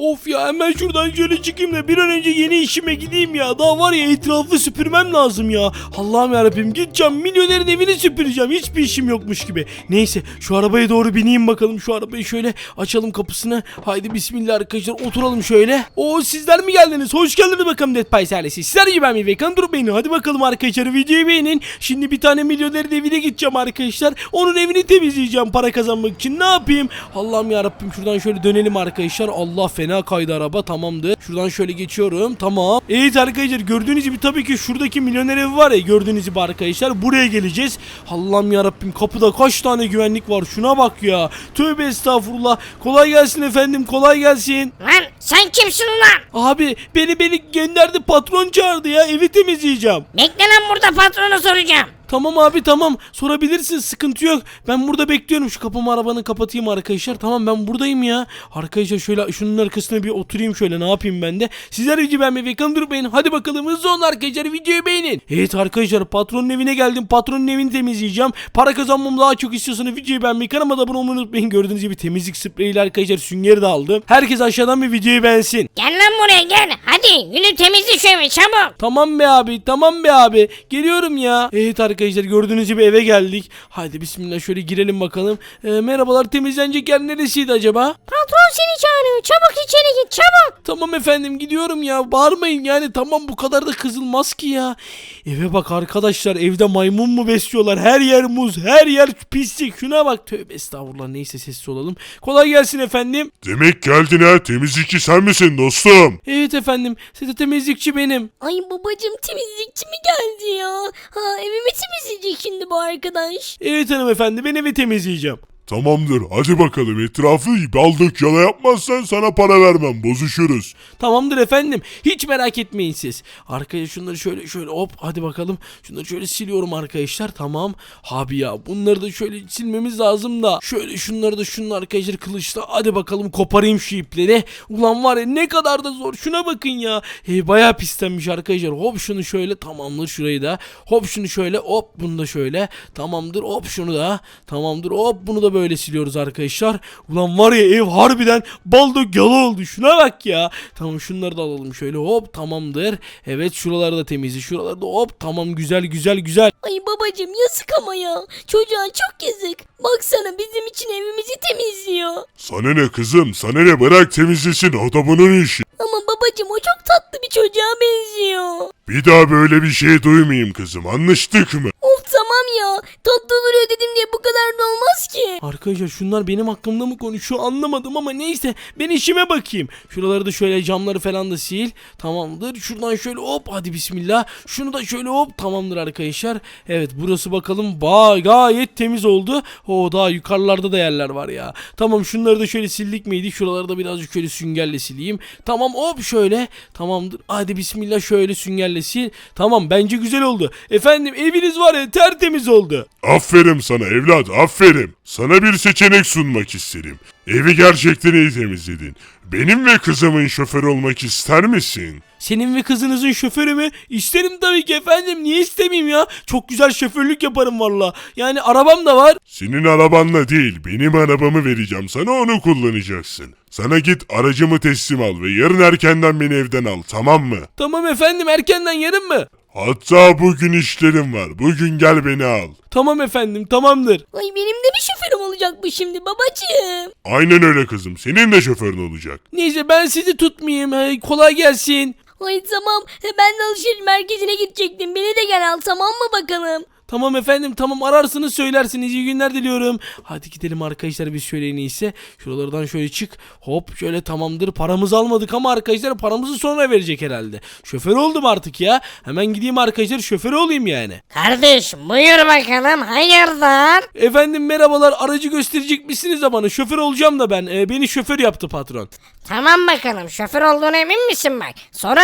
Of ya, hemen şuradan şöyle çıkayım da bir an önce yeni işime gideyim ya. Daha var ya, etrafı süpürmem lazım ya. Allah'ım yarabbim, gideceğim milyonerin evini süpüreceğim. Hiçbir işim yokmuş gibi. Neyse, şu arabaya doğru bineyim bakalım. Şu arabayı şöyle açalım kapısını. Haydi bismillah arkadaşlar, oturalım şöyle. Oo, sizler mi geldiniz? Hoş geldiniz bakalım Dead Pies ailesi. Sizler gibi ben mi? Vekan dur beni. Hadi bakalım arkadaşlar, videoyu beğenin. Şimdi bir tane milyonerin evine gideceğim arkadaşlar. Onun evini temizleyeceğim para kazanmak için. Ne yapayım? Allah'ım yarabbim, şuradan şöyle dönelim arkadaşlar. Allah, fena kaydı araba. Tamamdır. Şuradan şöyle geçiyorum. Tamam. Evet arkadaşlar, gördüğünüz gibi tabii ki şuradaki milyoner evi var ya, gördüğünüz gibi arkadaşlar. Buraya geleceğiz. Allah'ım yarabbim, kapıda kaç tane güvenlik var. Şuna bak ya. Tövbe estağfurullah. Kolay gelsin efendim. Kolay gelsin. Lan sen kimsin ulan? Abi beni gönderdi, patron çağırdı ya, evi temizleyeceğim. Bekle lan, burada patronu soracağım. Tamam abi, tamam, sorabilirsin, sıkıntı yok. Ben burada bekliyorum. Şu kapımı, arabanı kapatayım arkadaşlar. Tamam, ben buradayım ya. Arkadaşlar şöyle şunun arkasına bir oturayım, şöyle ne yapayım ben de. Sizler videoyu beğenmeyi ve kanalıma beğenin. Hadi bakalım, hızlı olun arkadaşlar, videoyu beğenin. Evet arkadaşlar, patronun evine geldim. Patronun evini temizleyeceğim. Para kazanmamı daha çok istiyorsanız videoyu beğenmeyi, kanalıma da abone olmayı unutmayın. Gördüğünüz gibi temizlik spreyiyle arkadaşlar süngeri de aldım. Herkes aşağıdan bir videoyu beğensin. Gel lan buraya gel. Hadi günü temizle şu evi çabuk. Tamam be abi, tamam be abi. Geliyorum ya. Evet arkadaşlar, gördüğünüz gibi eve geldik. Haydi bismillah, şöyle girelim bakalım. Merhabalar, temizlenecek yer neresiydi acaba? Patron seni çağırıyor. Çabuk içeri git çabuk. Tamam efendim, gidiyorum ya. Bağırmayın yani, tamam, bu kadar da kızılmaz ki ya. Eve bak arkadaşlar, evde maymun mu besliyorlar? Her yer muz, her yer pislik. Şuna bak, tövbe estağfurullah. Neyse, sessiz olalım. Kolay gelsin efendim. Demek geldin ha, temizlikçi sen misin dostum? Evet efendim, size temizlikçi benim. Ay babacım, temizlikçi mi geldi ya? Ha, evimi temizleyecek şimdi bu arkadaş. Evet hanımefendi, ben evi temizleyeceğim. Tamamdır, hadi bakalım, etrafı baldık yala yapmazsan sana para vermem, bozuşuruz. Tamamdır efendim. Hiç merak etmeyin siz. Arkaya şunları şöyle hop, hadi bakalım. Şunları şöyle siliyorum arkadaşlar. Tamam. Abi ya, bunları da şöyle silmemiz lazım da. Şöyle şunları da şunun arkadaşlar kılıçla. Hadi bakalım, koparayım şu ipleri. Ulan var ya, ne kadar da zor. Şuna bakın ya. Bayağı pislenmiş arkadaşlar. Hop şunu şöyle, tamamdır, şurayı da. Hop şunu şöyle, hop bunu da şöyle. Tamamdır, hop şunu da. Tamamdır, hop bunu da böyle siliyoruz arkadaşlar. Ulan var ya, ev harbiden baldo yala oldu. Şuna bak ya. Tamam, şunları da alalım şöyle, hop, tamamdır. Evet, şuraları da temizli. Şuraları da hop, tamam, güzel. Ay babacım, yazık ama ya. Çocuğa çok yazık. Baksana, bizim için evimizi temizliyor. Sana ne kızım, sana ne, bırak temizlesin, o da bunun işi. Ama babacım, o çok tatlı bir çocuğa benziyor. Bir daha böyle bir şey duymayayım kızım, anlaştık mı? Of tamam ya. Tatlı duruyor dedim diye bu kadar da olmaz ki. Arkadaşlar, şunlar benim hakkımda mı konuşuyor anlamadım ama neyse, ben işime bakayım. Şuraları da şöyle, camları falan da sil. Tamamdır. Şuradan şöyle hop, hadi bismillah. Şunu da şöyle hop, tamamdır arkadaşlar. Evet, burası bakalım gayet temiz oldu. O daha yukarılarda da yerler var ya. Tamam, şunları da şöyle sildik miydi? Şuraları da birazcık şöyle süngerle sileyim. Tamam, hop şöyle. Tamamdır. Hadi bismillah, şöyle süngerle sil. Tamam, bence güzel oldu. Efendim, eviniz var ya, tertemiz oldu. Aferin sana evlat, aferin. Sana bir seçenek sunmak isterim. Evi gerçekten iyi temizledin. Benim ve kızımın şoförü olmak ister misin? Senin ve kızınızın şoförü mü? İsterim tabii ki efendim. Niye istemeyeyim ya? Çok güzel şoförlük yaparım valla. Yani arabam da var. Senin arabanla değil, benim arabamı vereceğim sana, onu kullanacaksın. Sana git aracımı teslim al ve yarın erkenden beni evden al, tamam mı? Tamam efendim, erkenden yarın mı? Hatta bugün işlerim var, bugün gel beni al. Tamam efendim, tamamdır. Ay, benim de bir şoförüm olacak bu şimdi babacığım. Aynen öyle kızım, senin de şoförün olacak. Neyse, ben sizi tutmayayım. Kolay gelsin. Ay tamam, ben de alışveriş merkezine gidecektim. Beni de gel al, tamam mı bakalım? Tamam efendim, tamam, ararsınız söylersiniz. İyi günler diliyorum. Hadi gidelim arkadaşlar, biz şöyle en iyisi. Şuralardan şöyle çık. Hop şöyle, tamamdır. Paramızı almadık ama arkadaşlar, paramızı sonra verecek herhalde. Şoför oldum artık ya. Hemen gideyim arkadaşlar, şoför olayım yani. Kardeş buyur bakalım, hayırdır? Efendim merhabalar, aracı gösterecek misiniz de bana? Şoför olacağım da ben. Beni şoför yaptı patron. Tamam bakalım, şoför olduğuna emin misin bak? Sorarım.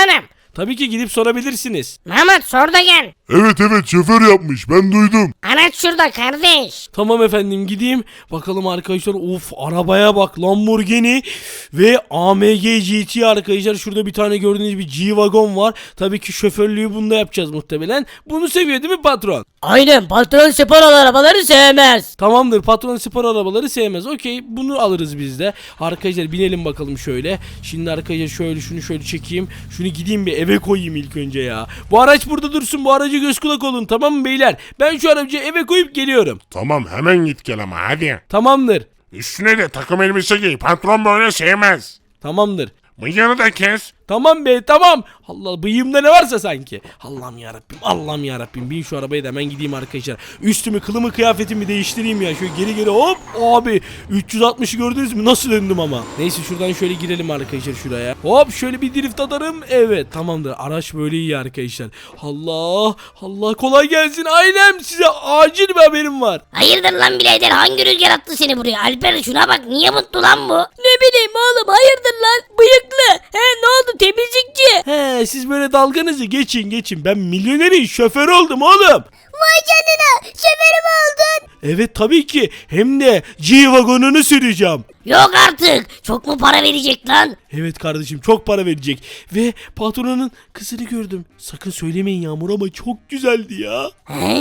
Tabii ki gidip sorabilirsiniz. Mahmut sor da gel. Evet şoför yapmış ben duydum. Araç şurada kardeş. Tamam efendim gideyim. Bakalım arkadaşlar, of arabaya bak, Lamborghini ve AMG GT arkadaşlar. Şurada bir tane gördüğünüz bir G-Wagon var. Tabii ki şoförlüğü bunda yapacağız muhtemelen. Bunu seviyor değil mi patron? Aynen, patron spor arabaları sevmez. Tamamdır, patron spor arabaları sevmez. Okey, bunu alırız biz de. Arkadaşlar binelim bakalım şöyle. Şimdi arkadaşlar şöyle şunu şöyle çekeyim. Şunu gideyim bir eve koyayım ilk önce ya. Bu araç burada dursun, bu aracı göz kulak olun, tamam mı beyler? Ben şu aracı eve koyup geliyorum. Tamam hemen git gel ama hadi. Tamamdır. Üstüne de takım elbise giy. Patron böyle sevmez. Tamamdır. Bıyığını da kes. Tamam be, tamam. Allah, bıyığımda ne varsa sanki. Allah'ım yarabbim, Allah'ım yarabbim. Bin şu arabaya da hemen gideyim arkadaşlar. Üstümü, kılımı, kıyafetimi değiştireyim ya. Şöyle geri geri hop abi. 360'ı gördünüz mü? Nasıl döndüm ama. Neyse şuradan şöyle girelim arkadaşlar şuraya. Hop şöyle bir drift atarım. Evet tamamdır. Araç böyle iyi arkadaşlar. Allah Allah, kolay gelsin ailem. Size acil bir haberim var. Hayırdır lan birader, hangi rüzgar attı seni buraya? Alper şuna bak, niye mutlu lan bu? Ne bileyim oğlum, hayırdır lan bıyıklı. He, ne oldu temizlikçi? He, siz böyle dalganızı geçin. Ben milyonerin şoförü oldum oğlum. Vay canına, şoförüm oldun. Evet tabii ki. Hem de G-Wagon'unu süreceğim. Yok artık, çok mu para verecek lan? Evet kardeşim, çok para verecek. Ve patronun kızını gördüm. Sakın söylemeyin Yağmur ama çok güzeldi ya.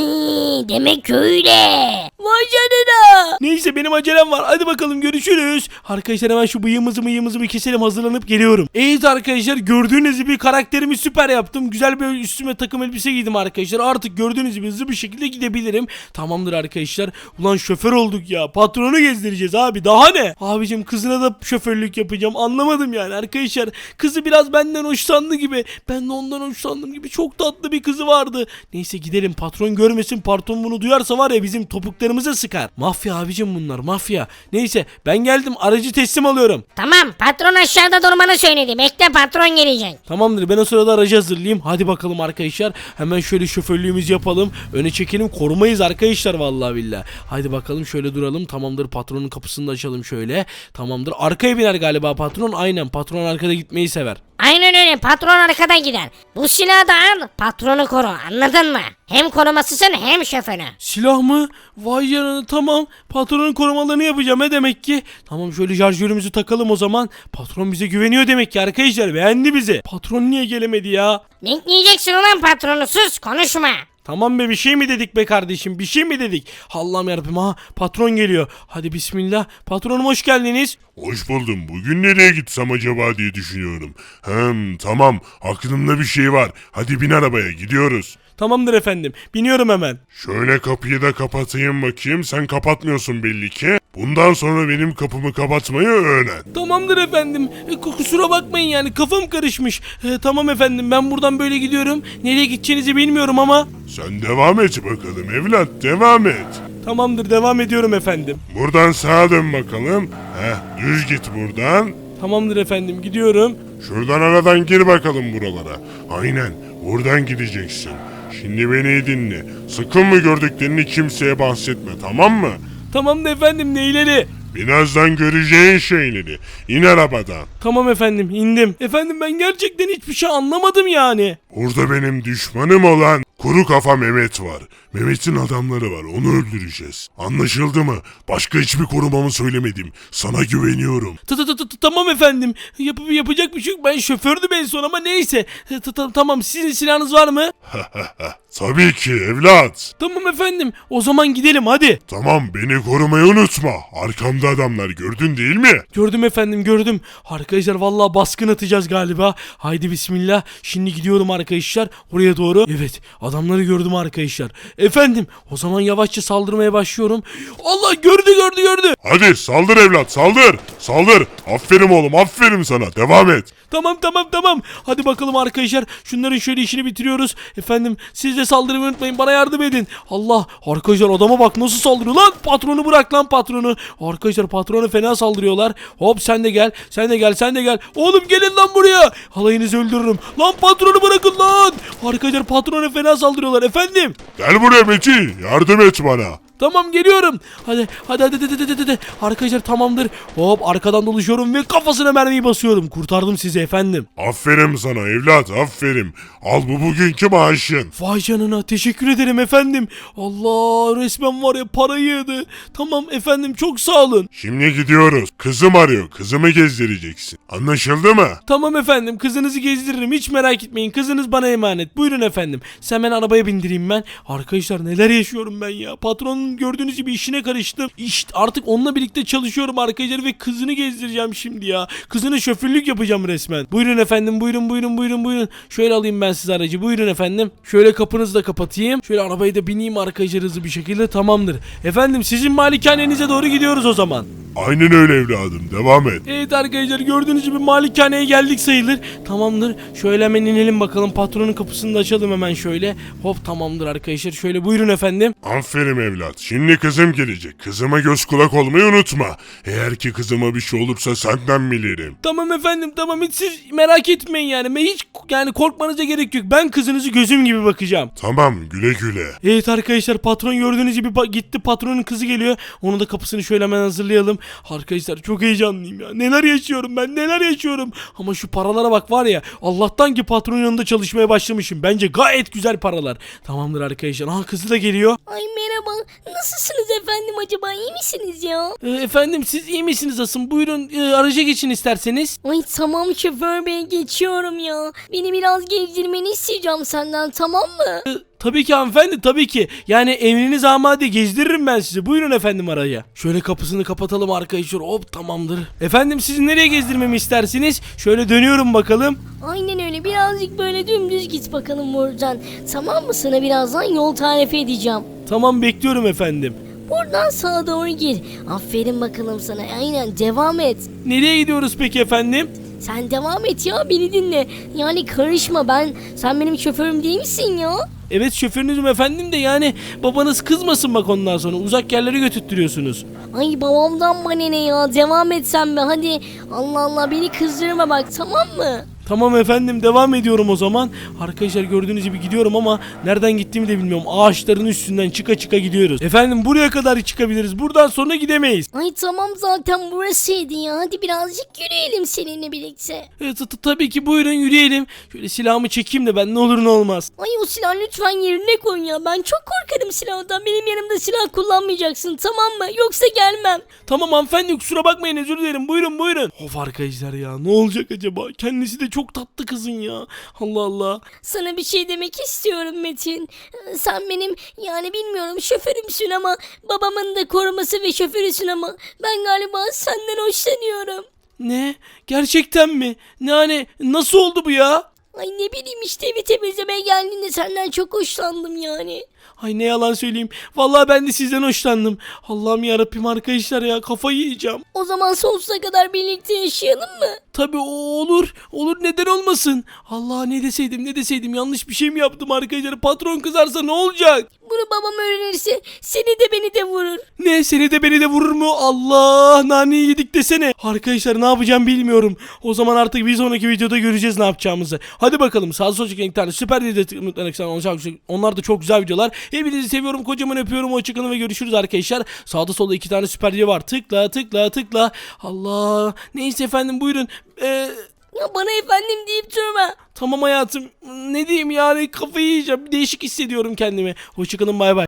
Demek öyle. Vay canına. Neyse benim acelem var. Hadi bakalım görüşürüz. Arkadaşlar hemen şu bıyığımızı bir keselim, hazırlanıp geliyorum. Evet arkadaşlar, gördüğünüz gibi karakterimi süper yaptım. Güzel bir üstüme takım elbise giydim arkadaşlar. Artık gördüğünüz gibi hızlı bir şekilde gidebilirim. Tamamdır arkadaşlar. Ulan şoför olduk ya. Patronu gezdireceğiz abi. Daha ne? Abicim kızına da şoförlük yapacağım. Anlamadım yani arkadaşlar. Kızı biraz benden hoşlandı gibi. Ben de ondan hoşlandım gibi. Çok tatlı bir kızı vardı. Neyse gidelim, patron görmesin. Patron bunu duyarsa var ya, bizim topuklarımıza sıkar. Mafya abicim bunlar, mafya. Neyse ben geldim, aracı teslim alıyorum. Tamam, patron aşağıda durmanı söyledi. Bekle, patron gelecek. Tamamdır, ben o sırada aracı hazırlayayım. Hadi bakalım arkadaşlar. Hemen şöyle şoförlüğümüzü yapalım. Öne çekelim, korumayız arkadaşlar vallahi billahi. Hadi bakalım şöyle duralım. Tamamdır, patronun kapısını da açalım şöyle. Tamamdır. Arkaya biner galiba patron. Aynen, patron arkada gitmeyi sever. Aynen öyle, patron arkadan gider. Bu silahı da al, patronu koru, anladın mı? Hem korumasısın hem şoförü. Silah mı? Vay canına, tamam. Patronun korumalarını yapacağım demek ki. Tamam şöyle şarjörümüzü takalım o zaman. Patron bize güveniyor demek ki arkadaşlar. Beğendi bizi. Patron niye gelemedi ya? Bekleyeceksin ulan patronu, sus konuşma. Tamam be, bir şey mi dedik be kardeşim, bir şey mi dedik? Allah'ım yarabbim, ha patron geliyor. Hadi bismillah. Patronum hoş geldiniz. Hoş buldum. Bugün nereye gitsem acaba diye düşünüyorum. Tamam. Aklımda bir şey var. Hadi bin arabaya gidiyoruz. Tamamdır efendim, biniyorum hemen. Şöyle kapıyı da kapatayım bakayım. Sen kapatmıyorsun belli ki. Bundan sonra benim kapımı kapatmayı öğren. Tamamdır efendim. Kusura bakmayın yani, kafam karışmış. Tamam efendim, ben buradan böyle gidiyorum. Nereye gideceğinizi bilmiyorum ama. Sen devam et bakalım evlat. Devam et. Tamamdır, devam ediyorum efendim. Buradan sağa dön bakalım. Düz git buradan. Tamamdır efendim, gidiyorum. Şuradan aradan gir bakalım buralara. Aynen. Buradan gideceksin. Şimdi beni iyi dinle. Sakın bu gördüklerini kimseye bahsetme, tamam mı? Tamamdır efendim, neyleri? Birazdan göreceğin şeyleri. İn arabadan. Tamam efendim, indim. Efendim ben gerçekten hiçbir şey anlamadım yani. Burada benim düşmanım olan kuru kafa Mehmet var. Mehmet'in adamları var, onu öldüreceğiz. Anlaşıldı mı? Başka hiçbir korumamı söylemedim. Sana güveniyorum. Tamam efendim. Yapacak bir şey yok. Ben şofördüm en son ama neyse. Tamam, sizin silahınız var mı? Tabii ki evlat. Tamam efendim. O zaman gidelim hadi. Tamam, beni korumayı unutma. Arkamda adamlar, gördün değil mi? Gördüm efendim, gördüm. Arkadaşlar vallahi baskın atacağız galiba. Haydi bismillah. Şimdi gidiyorum arkadaşlar oraya doğru. Evet, adamları gördüm arkadaşlar. Efendim o zaman yavaşça saldırmaya başlıyorum. Allah, gördü. Hadi saldır evlat, saldır. Saldır. Aferin oğlum, aferin sana. Devam et. Tamam. Hadi bakalım arkadaşlar. Şunların şöyle işini bitiriyoruz. Efendim siz de saldırmayı unutmayın. Bana yardım edin. Allah, arkadaşlar adama bak nasıl saldırıyor lan. Patronu bırak lan, patronu. Arkadaşlar patronu fena saldırıyorlar. Hop sen de gel. Oğlum gelin lan buraya. Halayınızı öldürürüm. Lan patronu bırakın lan. Arkadaşlar patronu fena saldırıyorlar efendim. Gel buraya Metin, yardım et bana. Tamam geliyorum. Hadi. Arkadaşlar tamamdır. Hop arkadan dolaşıyorum ve kafasına mermiyi basıyorum. Kurtardım sizi efendim. Aferin sana evlat aferin. Al bu bugünkü maaşın. Vay canına teşekkür ederim efendim. Allah resmen var ya parayı yedi. Tamam efendim çok sağ olun. Şimdi gidiyoruz. Kızım arıyor. Kızımı gezdireceksin. Anlaşıldı mı? Tamam efendim kızınızı gezdiririm hiç merak etmeyin. Kızınız bana emanet. Buyurun efendim. Sen ben arabaya bindireyim ben. Arkadaşlar neler yaşıyorum ben ya. Patronun gördüğünüz gibi işine karıştım. İşte artık onunla birlikte çalışıyorum arkadaşlar ve kızını gezdireceğim şimdi ya. Kızına şoförlük yapacağım resmen. Buyurun efendim buyurun. Şöyle alayım ben size aracı. Buyurun efendim. Şöyle kapınızı da kapatayım. Şöyle arabayı da bineyim arkadaşlar hızlı bir şekilde tamamdır. Efendim sizin malikanenize doğru gidiyoruz o zaman. Aynen öyle evladım. Devam et. Evet arkadaşlar gördüğünüz gibi malikaneye geldik sayılır. Tamamdır. Şöyle hemen inelim bakalım. Patronun kapısını da açalım hemen şöyle. Hop tamamdır arkadaşlar. Şöyle buyurun efendim. Aferin evlat. Şimdi kızım gelecek. Kızıma göz kulak olmayı unutma. Eğer ki kızıma bir şey olursa senden bilirim. Tamam efendim tamam hiç siz merak etmeyin yani. Ben hiç yani korkmanıza gerek yok. Ben kızınızı gözüm gibi bakacağım. Tamam güle güle. Evet arkadaşlar patron gördüğünüz gibi gitti patronun kızı geliyor. Onun da kapısını şöyle hemen hazırlayalım. Arkadaşlar çok heyecanlıyım ya. Neler yaşıyorum ben neler yaşıyorum. Ama şu paralara bak var ya. Allah'tan ki patronun yanında çalışmaya başlamışım. Bence gayet güzel paralar. Tamamdır arkadaşlar. Aha kızı da geliyor. Ay merhaba. Nasılsınız efendim acaba? İyi misiniz ya? Efendim siz iyi misiniz asım? Buyurun araca geçin isterseniz. Ay tamam şoför bey geçiyorum ya. Beni biraz gezdirmeni isteyeceğim senden tamam mı? Tabii ki hanımefendi tabii ki. Yani emriniz amade gezdiririm ben sizi. Buyurun efendim araya. Şöyle kapısını kapatalım arkadaşlar. Hop tamamdır. Efendim siz nereye gezdirmemi istersiniz? Şöyle dönüyorum bakalım. Aynen öyle birazcık böyle dümdüz git bakalım buradan. Tamam mı sana birazdan yol tarifi edeceğim. Tamam bekliyorum efendim. Buradan sağa doğru gir. Aferin bakalım sana. Aynen devam et. Nereye gidiyoruz peki efendim? Sen devam et ya beni dinle. Yani karışma sen benim şoförüm değil misin ya? Evet şoförünüzüm efendim de yani babanız kızmasın bak ondan sonra uzak yerlere götürtüyorsunuz. Ay babamdan bana ne ya devam et sen be hadi. Allah Allah beni kızdırma bak tamam mı? Tamam efendim devam ediyorum o zaman. Arkadaşlar gördüğünüz gibi gidiyorum ama nereden gittiğimi de bilmiyorum. Ağaçların üstünden çıka gidiyoruz. Efendim buraya kadar çıkabiliriz. Buradan sonra gidemeyiz. Ay tamam zaten burasıydı ya hadi birazcık yürüyelim seninle birlikte. Tabii ki buyurun yürüyelim. Şöyle silahımı çekeyim de ben ne olur ne olmaz. Ay o silahı lütfen yerine koy ya ben çok korkarım silahdan benim yanımda silah kullanmayacaksın tamam mı yoksa gelmem. Tamam hanımefendi kusura bakmayın özür dilerim buyurun. Of arkadaşlar ya ne olacak acaba? Kendisi de çok tatlı kızın ya. Allah Allah. Sana bir şey demek istiyorum Metin. Sen benim yani bilmiyorum şoförümsün ama babamın da koruması ve şoförüsün ama ben galiba senden hoşlanıyorum. Ne? Gerçekten mi? Ne hani nasıl oldu bu ya? Ay ne bileyim işte evi temizlemeye geldiğinde senden çok hoşlandım yani. Ay ne yalan söyleyeyim. Vallahi ben de sizden hoşlandım. Allah'ım yarabbim arkadaşlar ya kafayı yiyeceğim. O zaman sonsuza kadar birlikte yaşayalım mı? Tabii olur. Olur neden olmasın? Allah ne deseydim yanlış bir şey mi yaptım arkadaşlar? Patron kızarsa ne olacak? Bunu babam öğrenirse seni de beni de vurur. Ne seni de beni de vurur mu? Allah naneyi yedik desene. Arkadaşlar ne yapacağım bilmiyorum. O zaman artık bir sonraki videoda göreceğiz ne yapacağımızı. Hadi bakalım sağ sol çıkan iki tane süper video olacak. Onlar da çok güzel videolar. Hepinizi seviyorum kocaman öpüyorum. Hoşçakalın ve görüşürüz arkadaşlar. Sağda solda iki tane süper video var. Tıkla. Allah. Neyse efendim buyurun. Ya bana efendim deyip durma. Tamam hayatım. Ne diyeyim yani kafayı yiyeceğim. Değişik hissediyorum kendimi. Hoşçakalın bay bay.